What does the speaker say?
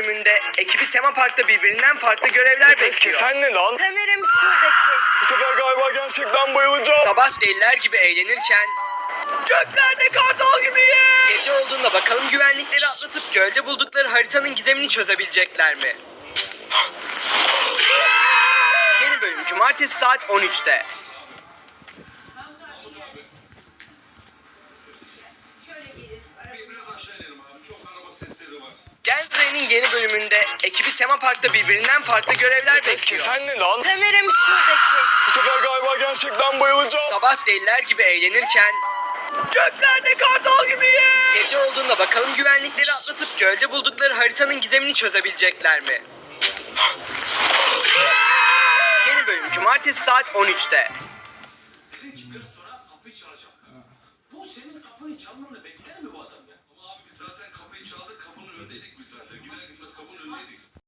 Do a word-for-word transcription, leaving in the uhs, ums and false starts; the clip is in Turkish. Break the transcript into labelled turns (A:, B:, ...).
A: bölümünde ekibi tema parkta birbirinden farklı görevler bekliyor.
B: Sen ne lan?
C: Sanırım şuradaki.
B: Bu sefer galiba gerçekten bayılacağım.
A: Sabah deliler gibi eğlenirken göklerde kartal gibiyiz. Gece olduğunda bakalım güvenlikleri atlatıp gölde buldukları haritanın gizemini çözebilecekler mi? Yeni bölüm cumartesi saat on üçte.
D: Biraz aşağı inelim abi. Çok araba sesleri var.
A: Gel Buraya'nın yeni bölümünde ekibi tema parkta birbirinden farklı görevler bekliyor.
B: Sen ne lan?
C: Sanırım şuradaki.
B: Bu sefer galiba gerçekten bayılacağım.
A: Sabah deliler gibi eğlenirken göklerde kartal gibiyiz. Gece olduğunda bakalım güvenlikleri atlatıp gölde buldukları haritanın gizemini çözebilecekler mi? Yeni bölüm cumartesi saat on üçte.
D: Dedim ki kırk sonra kapıyı çalacağım. Bu senin kapıyı çalmanı bekler mi bu adam ya? Ama abi biz zaten kapıyı çaldık. Kapının önündeydik biz zaten. Gider gitmez kapının önündeydik.